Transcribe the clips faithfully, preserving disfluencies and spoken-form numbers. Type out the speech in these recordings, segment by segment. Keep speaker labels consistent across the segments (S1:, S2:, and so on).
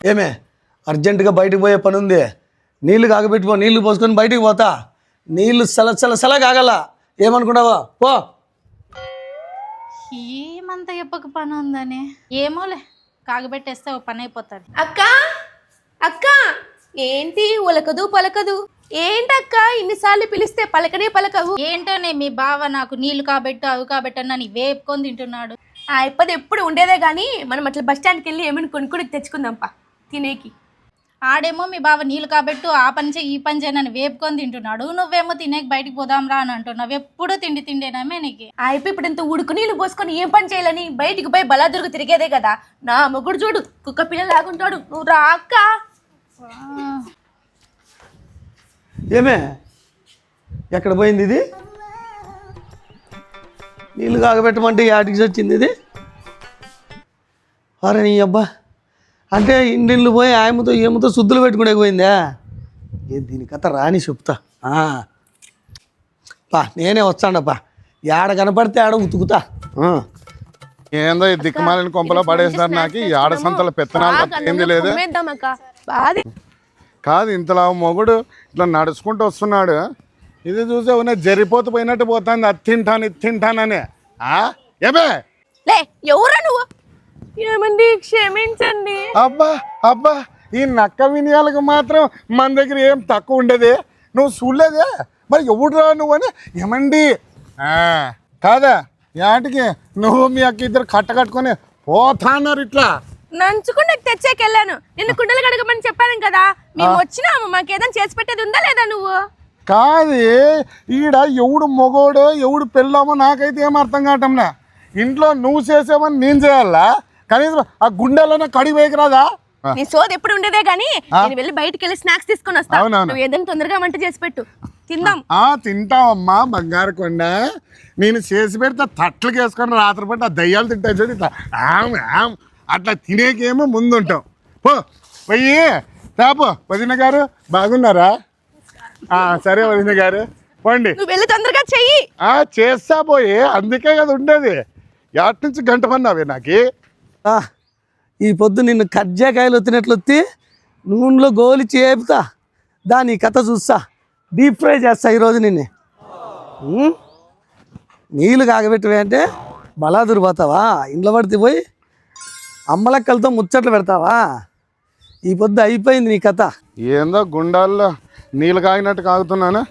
S1: ఏమే అర్జెంటుగా బయటకు పోయే పని ఉంది, నీళ్లు కాగబెట్టుకో, నీళ్లు పోసుకొని బయటికి పోతా. నీళ్లు సల సల సల కాగల, ఏమనుకున్నావా? పో.
S2: ఏమంత చెప్పక పని ఉందని ఏమోలే, కాగబెట్టేస్తే ఓ పని అయిపోతుంది.
S3: అక్క అక్క ఏంటి ఉలకదు పలకదు? ఏంటక్క ఇన్నిసార్లు పిలిస్తే పలకనే పలకవు?
S2: ఏంటనే మీ బావ నాకు నీళ్లు కాబెట్టు అవి కాబెట్టన్నా నీ వేపుకొని తింటున్నాడు.
S3: ఆ ఇప్పది ఎప్పుడు ఉండేదే గానీ మనం అట్లా బస్ స్టాండ్కి వెళ్ళి ఏమైనా కొనుక్కొని తెచ్చుకుందాంపా తినేకి.
S2: ఆడేమో మీ బావ నీళ్లు కాబెట్టు ఆ పని చేయి ఈ పని చేయనని వేపుకొని తింటున్నాడు, నువ్వేమో తినేకి బయటికి పోదాం రా అని అంటున్నావు. ఎప్పుడు తిండి తిండేనామే నీకు.
S3: ఆ ఇప్ప ఇప్పుడు ఇంత ఉడుకు నీళ్ళు పోసుకొని ఏం పని చేయాలని బయటికి పోయి బలాదురుగు తిరిగేదే కదా. నా మొగుడు చూడు కుక్క పిల్ల లాగుంటాడు. నువ్వు రా అక్క.
S1: ఏమే ఎక్కడ పోయింది ఇది? నీళ్ళు కాగబెట్టమంటే యాటికి వచ్చింది ఇది? అరే నీ అబ్బా, అంటే ఇండిళ్ళు పోయి ఆయమతో ఏమతో శుద్ధులు పెట్టుకునే పోయిందా? ఏ దీని కథ రాని చెప్తా. పా నేనే వచ్చాడప్పా, ఏడ కనపడితే ఆడ ఉతుకుతా.
S4: ఏందో ఈ దిక్కుమాలిన కొంపలో పడేసినారు. నాకు ఈ ఆడ సంతల పెత్తనాలు ఏంది లేదు కాదు. ఇంతలా మొగుడు ఇట్లా నడుచుకుంటూ వస్తున్నాడు, ఇది చూసే ఉన్న జరిపోతూ పోయినట్టు పోతుంది. అది తింటాను ఇది తింటానని. ఏమే
S3: లే ఎవరా నువ్వు? ఏమండి క్షమించండి.
S4: అబ్బా అబ్బా, ఈ నక్క వినయాలకు మాత్రం మన దగ్గర ఏం తక్కువ ఉండేది. నువ్వు చూడలేదే మరి ఎవడురా నువ్వు అని. ఏమండి కాదా యాటికి నువ్వు మీ అక్క ఇద్దరు కట్ట కట్టుకొని పోతా అన్నారు. ఇట్లా
S3: నంచుకుంటే తెచ్చేకెళ్ళాను. నిన్ను కుండలు కడగమని చెప్పాను కదా. మేము వచ్చినాము, మాకేదైనా చేసి పెట్టేది ఉందా లేదా? నువ్వు
S4: కాదు ఈడ ఎవడు మొగోడో ఎవడు పెళ్ళామో నాకైతే ఏం అర్థం కావటంలా. ఇంట్లో నువ్వు చేసావని నేను చేయాలా? కనీసం ఆ గుండెలోనే కడిగి వేయకరాదా?
S3: నీ సోది ఎప్పుడు ఉండేదే గానీ నేను వెళ్ళి బయటికి వెళ్ళి స్నాక్స్ తీసుకొని వస్తా. నువ్వు ఏదైనా తొందరగా వంట చేసి పెట్టు, తిందాం.
S4: ఆ తింటావమ్మా బంగారు కొండ. నేను చేసి పెడితే తట్లకి వేసుకొని రాత్రిపూట ఆ దయ్యాలు తింటాయి చూడు ఇట్లా ఆమ్ ఆమ్ అట్లా తినేకేమో ముందుంటాం. పో పోయి తాపో. వదిన గారు బాగున్నారా? సరే వదిన గారు పోండి.
S3: నువ్వు వెళ్ళి తొందరగా చెయ్యి.
S4: చేస్తా పోయి, అందుకే కదా ఉండేది. ఎటు నుంచి గంట పన్నావే నాకు.
S1: ఈ పొద్దు నిన్ను కజ్జాకాయలు వచ్చినట్లు వచ్చి నూనెలో గోలి చేపుతా, దాని కథ చూస్తా. డీప్ ఫ్రై చేస్తా ఈరోజు నిన్ను. నీళ్ళు కాగబెట్టవే అంటే బలాదురు పోతావా? ఇంట్లో పడితే పోయి అమ్మలక్కలతో ముచ్చట్లు పెడతావా? ఈ పొద్దు అయిపోయింది నీ కథ.
S4: ఏందో గుండాల్లో నీళ్ళు కాగినట్టు కాగుతున్నాను.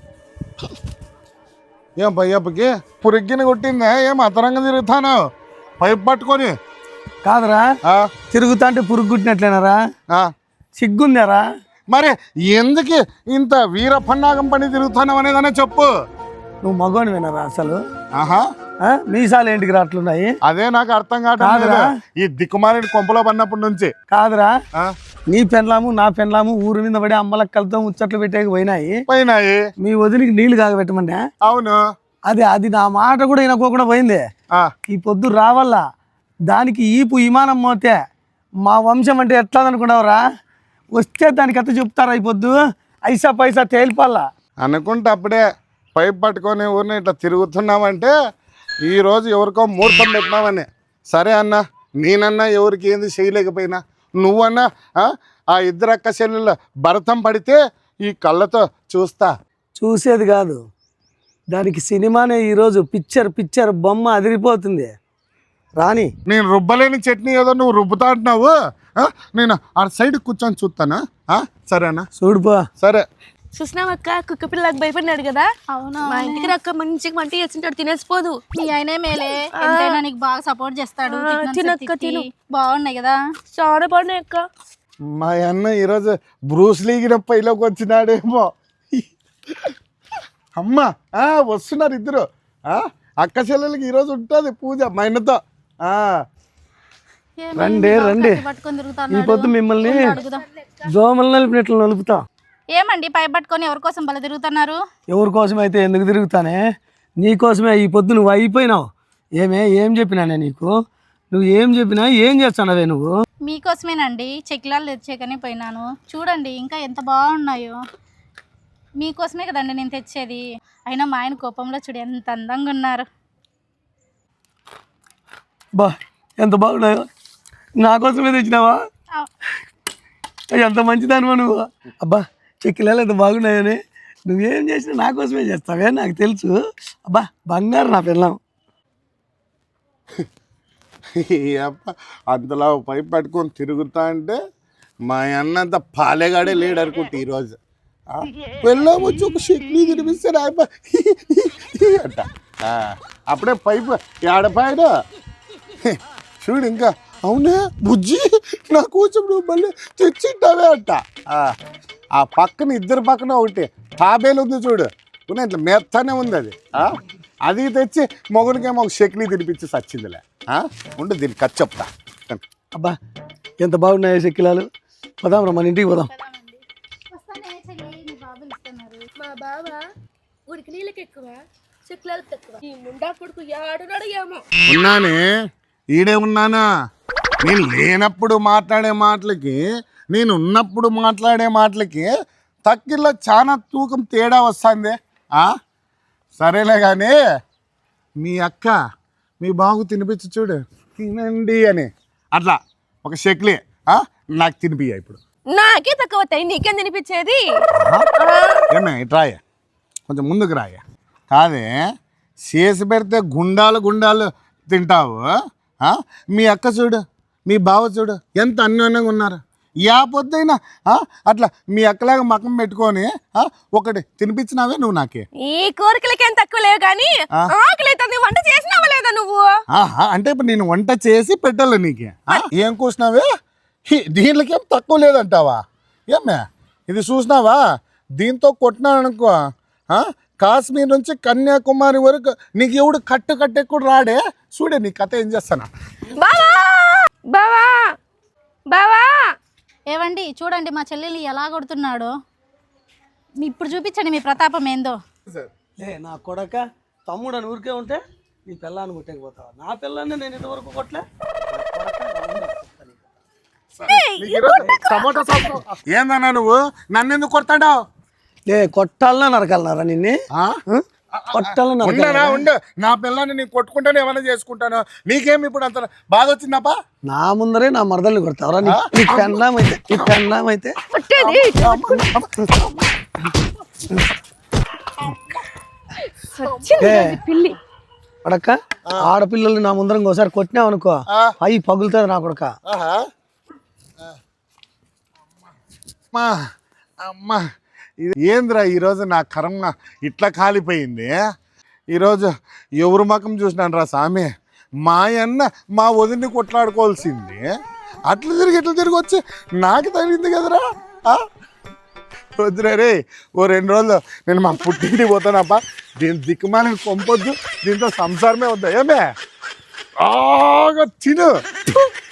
S4: ఏం పయ్యప్పకి పురిగ్గిన కొట్టిందా? ఏం అతరంగా తిరుగుతాను పైపు పట్టుకొని?
S1: కాదురా, తిరుగుతా అంటే పురుగు కుట్టినట్లేనారా? సిగ్గుందారా?
S4: మరి ఎందుకు ఇంత వీర పన్నాగం పని తిరుగుతాను అనేదనే చెప్పు.
S1: నువ్వు మగోని వినరా అసలు?
S4: ఆహా,
S1: మీసాలు ఏంటికి రాట్లున్నాయి?
S4: అదే నాకు అర్థం కాదురా. ఈ దిక్కుమాలిన కొంపలో పడినప్పటి నుంచి.
S1: కాదురా, నీ పెన్లాము నా పెన్లాము ఊరి మీద పడి అమ్మలక్కలతో ముచ్చట్లు పెట్టేకి పోయినాయి
S4: పోయినాయి
S1: మీ వదిలికి నీళ్లు కాగబెట్టమంటే.
S4: అవును,
S1: అది అది నా మాట కూడా వినకోకుండా పోయింది. ఈ పొద్దు రావాలా, దానికి ఈపు విమానం మోతే మా వంశం అంటే ఎట్లా అనుకున్నావురా? వస్తే దానికి అత్త చెప్తారా? ఈ పొద్దు ఐసా పైసా తేలిపాలా
S4: అనుకుంటే అప్పుడే పైపు పట్టుకొని ఊరిని ఇట్లా తిరుగుతున్నామంటే ఈరోజు ఎవరికో ముహూర్తం పెట్టినామని. సరే అన్న, నేనన్నా ఎవరికి ఏంది చేయలేకపోయినా, నువ్వన్నా ఆ ఇద్దరు అక్క చెల్లెళ్ళ భరతం పడితే ఈ కళ్ళతో చూస్తా.
S1: చూసేది కాదు, దానికి సినిమానే ఈరోజు. పిక్చర్ పిక్చర్ బొమ్మ అదిరిపోతుంది. రాని
S4: నేను రుబ్బలేని చట్నీ ఏదో నువ్వు రుబ్బుతా అంటున్నావు. నేను ఆ సైడ్ కూర్చొని చూస్తానా? సరేనా?
S1: చూడుపో.
S4: సరే.
S3: చూసినావక్క, కుక్క పిల్లలకు భయపడినాడు కదా.
S2: అవునా?
S3: మా ఇంటికి రక్క మంచిగా వంట చేస్తుంటాడు, తినేసిపోదు.
S2: మీ ఆయనే మేలే, ఎంతైనా నీకు బాగా సపోర్ట్ చేస్తాడు.
S3: తినక్క తిను.
S2: బాగున్నాయి కదా?
S3: చాలా బాగున్నాయి అక్క.
S4: మా అన్న ఈరోజు బ్రూస్ లీగిన పైలోకి వచ్చినాడేమో. అమ్మా వస్తున్నారు ఇద్దరు. అక్క చెల్లెలకి ఈరోజు ఉంటుంది పూజ మా ఆయనతో.
S1: రండి రండి, ఈ పొద్దు మిమ్మల్ని దోమలు నలిపినట్లు నలుపుతా.
S2: ఏమండి పై పట్టుకొని ఎవరి కోసం బల తిరుగుతున్నారు?
S1: ఎవరి కోసం అయితే ఎందుకు తిరుగుతానే, నీ కోసమే. ఈ పొద్దు నువ్వు అయిపోయినావు. ఏమే ఏం చెప్పినానే నీకు? నువ్వు ఏం చెప్పినా ఏం చేస్తానవే నువ్వు?
S2: మీకోసమేనండి చెక్కిలాలు తెచ్చేకనే పోయినాను. చూడండి ఇంకా ఎంత బాగున్నాయో. మీకోసమే కదండి నేను తెచ్చేది. అయినా మా ఆయన కోపంలో చూడు ఎంత అందంగా ఉన్నారు.
S1: బా ఎంత బాగున్నాయో. నా కోసమే తెచ్చినావా? ఎంత మంచిదానివా నువ్వు. అబ్బా చెక్కిలాలు ఎంత బాగున్నాయని నువ్వేం చేసినా నా కోసమే చేస్తావే, నాకు తెలుసు. అబ్బా బంగారు నా పిల్లం.
S4: అప్ప అంతలా పైపు పట్టుకొని తిరుగుతా అంటే మా అన్నంత పాలేగాడే లేడు అనుకుంటే ఈరోజు వెళ్ళాం వచ్చి ఒక షెక్లీ తినిపిస్తే రాయప అంట. అప్పుడే పైపు ఏడపాయడు చూడు. ఇంకా అవునా బుజ్జి నా కూర్చొని నువ్వు మళ్ళీ తెచ్చింటావే అంట. ఆ పక్కన ఇద్దరు పక్కన ఒకటి తాబేలు ఉంది చూడు, ఉన్న ఇట్లా మెత్తనే ఉంది అది. అది తెచ్చి మొగుడికేమో ఒక షెక్లీ తినిపించి సచ్చిందిలే. ఉండు దీనికి ఖర్చు చెప్తా.
S1: అబ్బా ఎంత బాగున్నాయో చెక్కిలాలు. పోదాం రా మన ఇంటికి పోదాం.
S3: మా బావ ఉడికి నీళ్ళకి ఎక్కువ చెక్లాలకు తక్కువ. ఈ ముండా కొడుకు ఏడున్నాడు ఏమో.
S4: ఉన్నానే ఈడే ఉన్నానా. నేను లేనప్పుడు మాట్లాడే మాటలకి నేను ఉన్నప్పుడు మాట్లాడే మాటలకి తక్కిల్లో చాలా తూకం తేడా వస్తుంది. సరేలే కానీ మీ అక్క మీ బాగు తినిపించి చూడు, తినండి అని అట్లా ఒక షెక్లీ నాకు తినిపియ్య. ఇప్పుడు
S3: నాకే తక్కువ అవుతాయి, నీకేం తినిపించేది?
S4: ఏమే ఇట్రాయ కొంచెం ముందుకు రాయ. కాదే చేసి పెడితే గుండాలు గుండాలు తింటావు. మీ అక్క చూడు మీ బావ చూడు ఎంత అన్యోన్యంగా ఉన్నారు. యా పొద్దైనా అట్లా మీ అక్కలాగా మకం పెట్టుకొని ఒకటి తినిపించినావే నువ్వు నాకే.
S3: ఈ కోరికలకేం తక్కువ లేవు కానీ ఆకలి వంట చేసినావా లేదా నువ్వు?
S4: అంటే ఇప్పుడు నేను వంట చేసి పెట్టాలి నీకే. ఏం కూర్చున్నావే దీనికేం తక్కువ లేదంటావా? ఏమే ఇది చూసినావా? దీంతో కొట్టినాననుకో కాశ్మీర్ నుంచి కన్యాకుమారి వరకు నీకు ఎవడు కట్టు కట్టెక్కుడు రాడే. చూడే నీ కథ ఏం చేస్తానా.
S3: బావా బావా బావా
S2: ఏవండి చూడండి మా చెల్లెలు ఎలా కొడుతున్నాడు. ఇప్పుడు చూపించండి మీ ప్రతాపం ఏందో.
S1: లే నా కొడక తమ్ముడు అని ఊరికే ఉంటే నీ పిల్లాన్ని కొట్టకపోతావా? నా పిల్లాన్ని నేను ఇంతవరకు కొట్టలే.
S4: ఏందన్నా నువ్వు నన్ను ఎందుకు కొడతాడావు?
S1: లే కొట్టాలన్నా నరకాలన్నారా నిన్నే? కొట్టాలన్నా
S4: ఉండరా ఉండు. నా పిల్లాన్ని నేను కొట్టుకుంటాను ఏమైనా చేసుకుంటాను. నీకేమి ఇప్పుడు అంత బాధ వచ్చిందప్పా?
S1: నా ముందరే నా మరదల్ని కొడతావరా? నీ పెన్నాం అయితే నీ పెన్నాం అయితే
S3: పిల్లి
S1: కొడక ఆడపిల్లలు నా ముందర ఇంకోసారి కొట్టినావు అనుకో అవి పగులుతుంది నా కొడక.
S4: అమ్మా అమ్మా ఇది ఏంద్రా ఈరోజు నా కర్మ ఇట్లా కాలిపోయింది. ఈరోజు ఎవరు మకం చూసినాను రా స్వామి. మా అన్న మా వదిన్ని కొట్లాడుకోవాల్సింది అట్లా తిరిగి ఎట్లా తిరిగి వచ్చి నాకు తగిలింది కదరా. వద్దురా రే ఓ రెండు రోజులు నేను మా పుట్టింటికి పోతానప్ప. దీని దిక్కుమాలని కొంపొద్దు, దీంతో సంసారమే వద్దా. ఏమే ఆగా తిను.